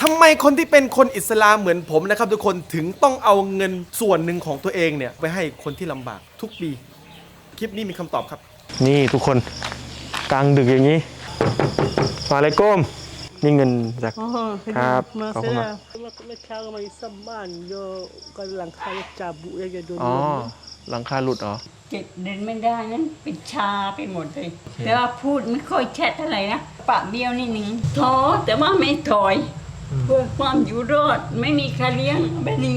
ทำไมคนที่เป็นคนอิสลามเหมือนผมนะครับทุกคนถึงต้องเอาเงินส่วนหนึ่งของตัวเองเนี่ยไปให้คนที่ลำบากทุกปีคลิปนี้มีคำตอบครับนี่ทุกคนกลางดึกอย่างนี้มาเลยก้มนี่เงินจากครับขอบคุณมากเมื่อเช้าก็มาซ่อมบ้านโยก็หลังคาจับบุยจะโดนหลังคาหลุดเหรอเจ็บเดินไม่ได้นั้นเป็นชาไปหมดเลยแต่ว่าพูดไม่ค่อยแช่อะไรนะปากเบี้ยวนิดนึงท้อแต่ว่าไม่ถอยเพื่อความอยู่รอดไม่มีใครเลี้ยงแบบนี้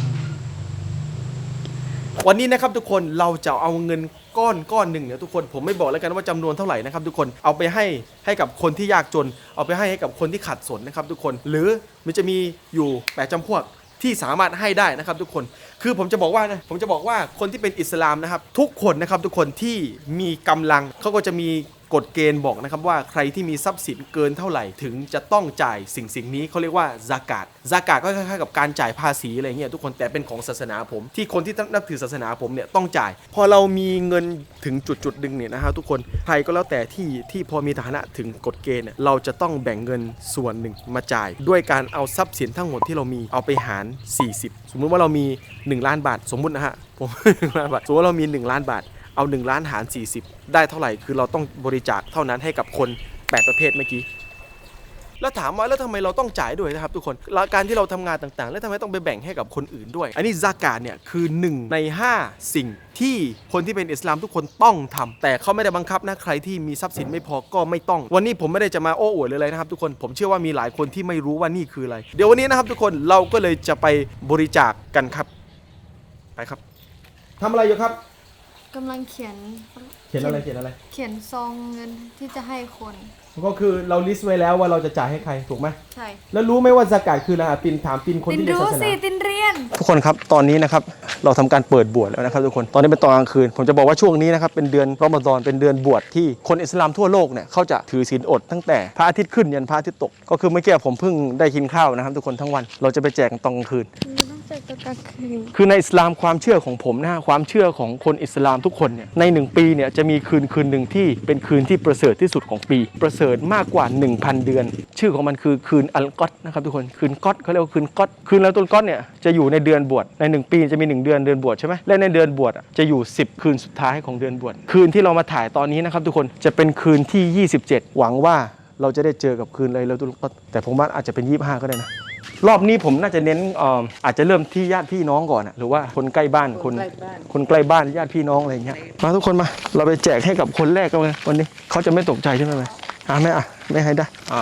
วันนี้นะครับทุกคนเราจะเอาเงินก้อนหนึ่งเนี่ยทุกคนผมไม่บอกแล้วกันว่าจำนวนเท่าไหร่นะครับทุกคนเอาไปให้กับคนที่ยากจนเอาไปให้กับคนที่ขัดสนนะครับทุกคนหรือมันจะมีอยู่8จำพวกที่สามารถให้ได้นะครับทุกคนคือผมจะบอกว่าคนที่เป็นอิสลามนะครับทุกคนนะครับทุกคนที่มีกำลังเขาก็จะมีกฎเกณฑ์บอกนะครับว่าใครที่มีทรัพย์สินเกินเท่าไหร่ถึงจะต้องจ่ายสิ่งนี้เขาเรียกว่าซากาตก็คล้ายๆกับการจ่ายภาษีอะไรเงี้ยทุกคนแต่เป็นของศาสนาผมที่คนที่นับถือศาสนาผมเนี่ยต้องจ่ายพอเรามีเงินถึงจุดดึงเนี่ยนะฮะทุกคนใครก็แล้วแต่ที่พอมีฐานะถึงกฎเกณฑ์เนี่ยเราจะต้องแบ่งเงินส่วนหนึ่งมาจ่ายด้วยการเอาทรัพย์สินทั้งหมดที่เรามีเอาไปหาร40สมมุติว่าเรามี1ล้านบาทสมมุตินะฮะผม1ล้านบาทสมมติว่าเรามี1ล้านบาทเอา1ล้านหาร40ได้เท่าไหร่คือเราต้องบริจาคเท่านั้นให้กับคน8ประเภทเมื่อกี้แล้วถามว่าแล้วทำไมเราต้องจ่ายด้วยนะครับทุกคนการที่เราทำงานต่างๆแล้วทำไมต้องไปแบ่งให้กับคนอื่นด้วยอันนี้ซากาตเนี่ยคือ1ใน5สิ่งที่คนที่เป็นอิสลามทุกคนต้องทำแต่เขาไม่ได้บังคับนะใครที่มีทรัพย์สินไม่พอก็ไม่ต้องวันนี้ผมไม่ได้จะมาโอ้อวดเลยนะครับทุกคนผมเชื่อว่ามีหลายคนที่ไม่รู้ว่านี่คืออะไรเดี๋ยววันนี้นะครับทุกคนเราก็เลยจะไปบริจาคกันครับไปครับทำอะไรอยู่ครับกำลังเขียนอะไรเขียนซองเงินที่จะให้คนก็คือเราลิสต์ไว้แล้วว่าเราจะจ่ายให้ใครถูกไหมใช่แล้วรู้ไหมว่าซากาตคืออะไรปินถามปินคนที่เรียนศาสนาตินเรียนทุกคนครับตอนนี้นะครับเราทำการเปิดบวชแล้วนะครับทุกคนตอนนี้เป็นตอนกลางคืนผมจะบอกว่าช่วงนี้นะครับเป็นเดือนรอมฎอนเป็นเดือนบวชที่คนอิสลามทั่วโลกเนี่ยเขาจะถือศีลอดตั้งแต่พระอาทิตย์ขึ้นยันพระอาทิตย์ตกก็คือเมื่อกี้ผมเพิ่งได้กินข้าวนะครับทุกคนทั้งวันเราจะไปแจกตอนกลางคืนคือในอิสลามความเชื่อของผมนะฮะความเชื่อของคนอิสลามทุกคนเนี่ยใน1ปีเนี่ยจะมีคืนหนึ่งที่เป็นคืนที่ประเสริฐที่สุดของปีประเสริฐมากกว่า 1,000 เดือนชื่อของมันคือคืนอัลกอตนะครับทุกคนคืนก๊อตเขาเรียกว่าคืนก๊อตคืนแล้วต้นก๊อตเนี่ยจะอยู่ในเดือนบวชใน1ปีจะมี1เดือนบวชใช่ไหมและในเดือนบวชจะอยู่10คืนสุดท้ายของเดือนบวชคืนที่เรามาถ่ายตอนนี้นะครับทุกคนจะเป็นคืนที่27หวังว่าเราจะได้เจอกับคืนเลยแล้วต้นก๊อตแต่ผมว่าอาจจะเป็น25ก็ได้นะรอบนี้ผมน่าจะเน้นอาจจะเริ่มที่ญาติพี่น้องก่อนหรือว่าคนใกล้บ้านคนใกล้บ้านญาติพี่น้องอะไรอย่างเงี้ยมาทุกคนมาเราไปแจกให้กับคนแรกกันเลยวันนี้เขาจะไม่ตกใจใช่ไหมไม่ให้ได้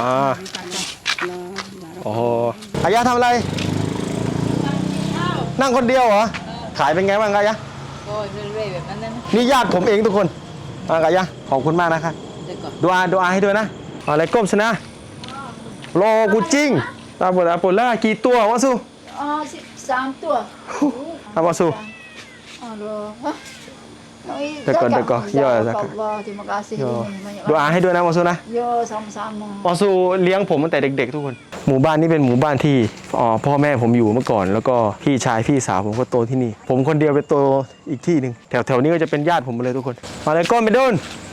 โอ้โหอายะทำอะไรนั่งคนเดียวเหรอขายเป็นไงบ้างอายะก็เรื่อยๆแบบนั้นนี่ญาติผมเองทุกคนอายะขอบคุณมากนะครับดูอาให้ด้วยนะอะไรก้มชนะโลกูจริงตาบอดล่ากี่ตัววะสู้ 13 ตัววะสู้เดี๋ยวก่อนย่อสักดูอาให้ด้วยนะวะสู้นะวะสู้เลี้ยงผมตั้งแต่เด็กๆทุกคนหมู่บ้านนี้เป็นหมู่บ้านที่พ่อแม่ผมอยู่เมื่อก่อนแล้วก็พี่ชายพี่สาวผมก็โตที่นี่ผมคนเดียวไปโตอีกที่หนึ่งแถวนี้ก็จะเป็นญาติผมหมดเลยทุกคนมาเลยก้มไปโดน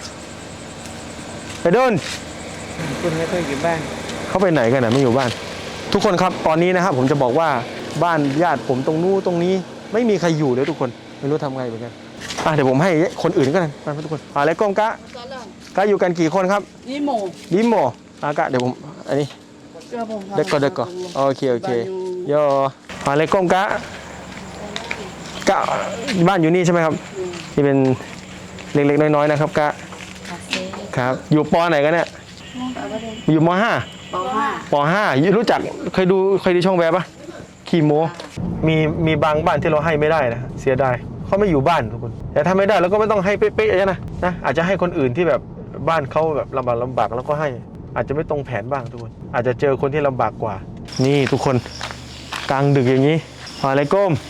คุณไม่เคยอยู่บ้านเขาไปไหนกันไม่อยู่บ้านทุกคนครับตอนนี้นะครับผมจะบอกว่าบ้านญาติผมตรงนู้นตรงนี้ไม่มีใครอยู่เลยทุกคนไม่รู้ทำไงเหมือนกันเดี๋ยวผมให้คนอื่นก็ได้มาทุกคนอะไรก้มกะอยู่กันกี่คนครับดิโมกะเดี๋ยวผมอันนี้เด็กก็โอเคย่ออะไรก้มกะบ้านอยู่นี่ใช่ไหมครับนี่เป็นเล็กๆน้อยๆนะครับกะครับอยู่ป.ไหนกันเนี่ยอยู่ม.5 รู้จักเคยดูช่องแวบปะคีโมมีบางบ้านที่เราให้ไม่ได้นะเสียดายเขาไม่อยู่บ้านทุกคนแต่ถ้าไม่ได้เราก็ไม่ต้องให้เป๊ะๆนะอาจจะให้คนอื่นที่แบบบ้านเขาแบบลำบากแล้วก็ให้อาจจะไม่ตรงแผนบ้างทุกคนอาจจะเจอคนที่ลำบากกว่านี่ทุกคนกลางดึกอย่างนี้อะไรก้ม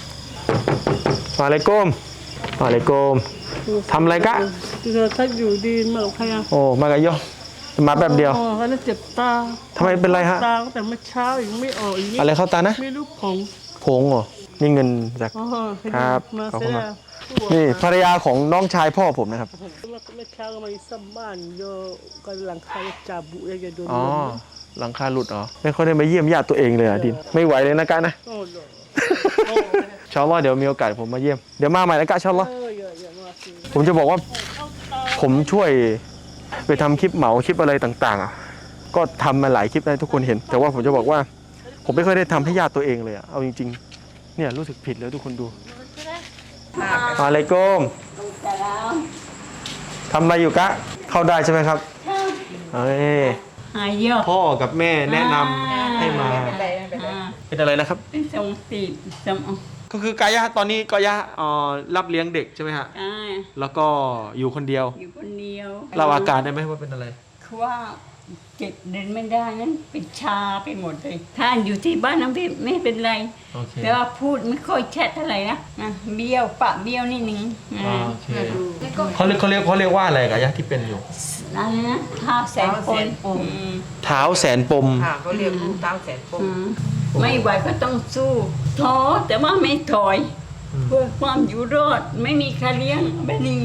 ทำอะไรกะถ้าอยู่ดีมากับใครโอ้มากับโยมาแบบเดียวเขาเจ็บตาทำไมเป็นไรฮะตาแต่เมื่อเช้ายังไม่ออกอย่างนี้อะไรเข้าตานะไม่รู้ผงเหรอนี่เงินจากครับขอบคุณมากนี่ภรรยาของน้องชายพ่อผมนะครับเมื่อเช้าก็มาซ่อมบ้านโยก็หลังคาจับบุยจะโดนหลังคาหลุดเหรอไม่ค่อยได้มาเยี่ยมญาติตัวเองเลยอ่ะดินไม่ไหวเลยนะกะนะโอ้โหชาวล้อเดี๋ยวมีโอกาสผมมาเยี่ยมเดี๋ยวมาใหม่นะกะชาวล้ออย่ามาสิผมจะบอกว่าผมช่วยไปทำคลิปเหมาคลิปอะไรต่างๆอ่ะก็ทำมาหลายคลิปให้ทุกคนเห็น แต่ว่าผมจะบอกว่าผมไม่ค่อยได้ทำให้ญาติตัวเองเลยอ่ะเอาจริงๆเนี่ยรู้สึกผิดเลยทุกคนดูอะไรก้มแต่แล้วทำอะไรอยู่กะเข้าได้ใช่ไหมครับเอ้ยหายเยอะพ่อกับแม่แนะนำให้มา เป็นอะไรนะครับเป็นทรงตีบสมองก็คือกายะตอนนี้กายะรับเลี้ยงเด็กใช่ไหมฮะ แล้วก็อยู่คนเดียวอยู่คนเดียวเราอาการได้ไหมว่าเป็นอะไรคือว่าเจ็บเดินไม่ได้นั้นเป็นชาไปหมดเลยถ้าอยู่ที่บ้านน้ำพี่ไม่เป็นไรโอเคแต่ว่าพูดไม่ค่อยแช่เท่าไหร่นะเบี้ยวปะเบี้ยวนิดนึงโอเคเขาเรียกว่าอะไรกายะที่เป็นอยู่อะไรนะท้าแสนปนเท้าแสนปมค่ะเขาเรียกลูกเต้าแสนปมไม่ไหวก็ต้องสู้ท้อแต่ว่าไม่ถอย เพื่อความอยู่รอดไม่มีใครเลี้ยงแบบนี้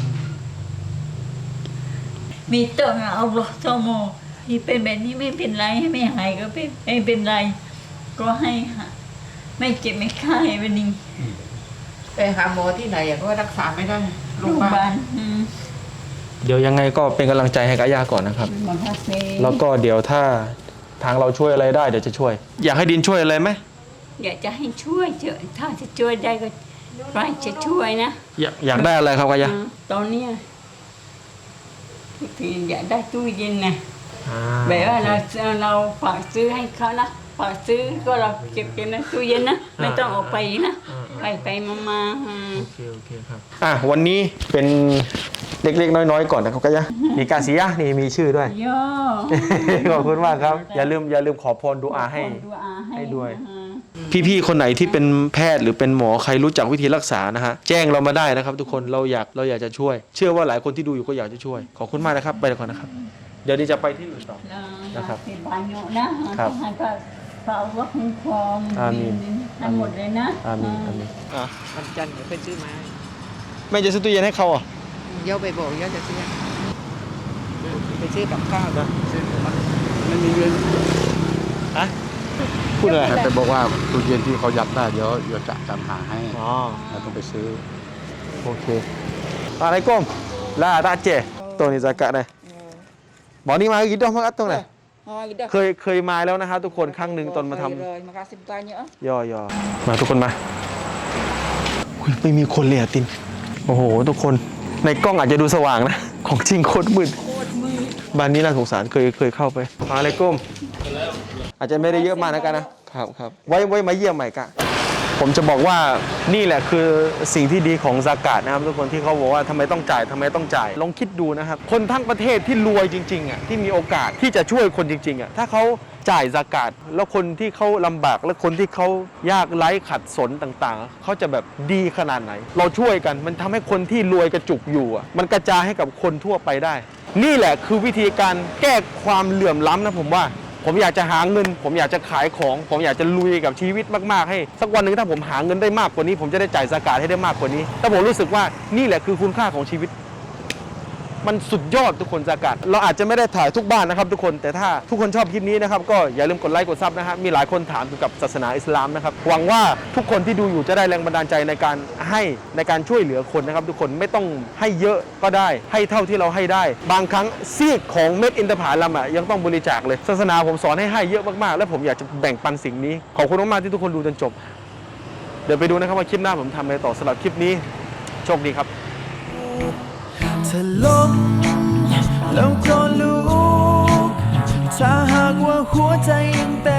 มีต้องเอาหลอดสมอที่เป็นแบบนี้ไม่เป็นไรให้ไม่หายก็ไม่เป็นไร ก็ให้ไม่เจ็บไม่ไข้แบบนี้ไปหาหมอที่ไหนก็รักษาไม่ได้โรโรง งพพยายาบาบาลลเดี๋ยวยังไงก็เป็นกำลังใจให้กายะก่อนนะครับหมอพาเซแล้วก็เดี๋ยวถ้าทางเราช่วยอะไรได้เดี๋ยวจะช่วย อยากให้ดินช่วยอะไรไหมอยากจะให้ช่วยเถอะถ้าจะช่วยได้ก็ใครจะช่วยนะอยากได้อะไรครับกายะตอนเนี้ยทุกทีอยากได้ตู้เย็นนะอ่าแบบว่าเราฝากซื้อให้เขานะฝากซื้อก็เราเก็บเก็บนะตู้เย็นนะไม่ต้องออกไปนะไปมาโอเคครับวันนี้เป็นเล็กๆน้อยๆก่อนนะครับกายะมีกาเซียนี่มีชื่อด้วยย่อขอบคุณมากครับ อย่าลืมขอพรดูอาให้ดูอาให้ให้ด้วย พี่ๆคนไหนที่เป็นแพทย์หรือเป็นหมอใครรู้จักวิธีรักษานะฮะแจ้งเรามาได้นะครับ ทุกคนเราอยากจะช่วย เชื่อว่าหลายคนที่ดูอยู่ก็อยากจะช่วยขอบคุณมากนะครับไปก่อนนะครับ เดี๋ยวนี้จะไปที่อื่นต่อ นะครับเป็นบานโยนะครับ ให้ก็ฝากว่าคุ้มครองอามีนทั้งหมดเลยนะอามีนอ่ะวันจันทร์เดี๋ยวไปซื้อมาแม่จะซื้อตู้เย็นให้เขาอ่ะเดี๋ยวไปบอกเดี๋ยวจะซื้อไปซื้อกับข้าวนะซื้อกับไม่มีเงินฮะพูดอะไรแต่บอกว่าตู้เย็นที่เขายัดได้เดี๋ยวจะจำหาให้อ๋อเราต้องไปซื้อโอเคอะไรก้มลาตาเจตัวนี้จะกะได้บอกนี่มากี่ดอกมาอัดตรงไหนเคยมาแล้วนะครับทุกคนครั้งหนึ่งตอนมาทำเลยmakasih banyak ย่อมาทุกคนมาอุ๊ยไม่มีคนเลยอะตินโอ้โหทุกคนในกล้องอาจจะดูสว่างนะของจริงโคตรมืดบ้านนี้น่าสงสารเคยเข้าไปอะไรก้มอาจจะไม่ได้เยอะมากนะกันนะครับไว้มาเยี่ยมใหม่กะผมจะบอกว่านี่แหละคือสิ่งที่ดีของซากาตนะครับทุกคนที่เขาบอกว่าทำไมต้องจ่ายลองคิดดูนะครับคนทั้งประเทศที่รวยจริงๆอ่ะที่มีโอกาสที่จะช่วยคนจริงๆอ่ะถ้าเขาจ่ายซากาตแล้วคนที่เขาลำบากและคนที่เขายากไร้ขัดสนต่างๆเขาจะแบบดีขนาดไหน เราช่วยกันมันทำให้คนที่รวยกระจุกอยู่อ่ะมันกระจายให้กับคนทั่วไปได้ นี่แหละคือวิธีการแก้ความเหลื่อมล้ำนะผมอยากจะหาเงินผมอยากจะขายของผมอยากจะลุยกับชีวิตมากๆให้สักวันหนึ่งถ้าผมหาเงินได้มากกว่านี้ผมจะได้จ่ายซากาตให้ได้มากกว่านี้ถ้าผมรู้สึกว่านี่แหละคือคุณค่าของชีวิตมันสุดยอดทุกคนซากาตเราอาจจะไม่ได้ถ่ายทุกบ้านนะครับทุกคนแต่ถ้าทุกคนชอบคลิปนี้นะครับก็อย่าลืมกดไลค์กดซับนะฮะมีหลายคนถามเกี่ยวกับศาสนาอิสลามนะครับหวังว่าทุกคนที่ดูอยู่จะได้แรงบันดาลใจในการช่วยเหลือคนนะครับทุกคนไม่ต้องให้เยอะก็ได้ให้เท่าที่เราให้ได้บางครั้งซีกของเม็ดอินทผลัมอ่ะยังต้องบริจาคเลยศาสนาผมสอนให้เยอะมากๆและผมอยากจะแบ่งปันสิ่งนี้ขอบคุณมากๆที่ทุกคนดูจนจบเดี๋ยวไปดูนะครับว่าคลิปหน้าผมทำอะไรต่อสำหรับคลิปนี้โชคดีครับเธอล้มแล้วก็ลุกถ้าหากว่าหัวใจยังเต้น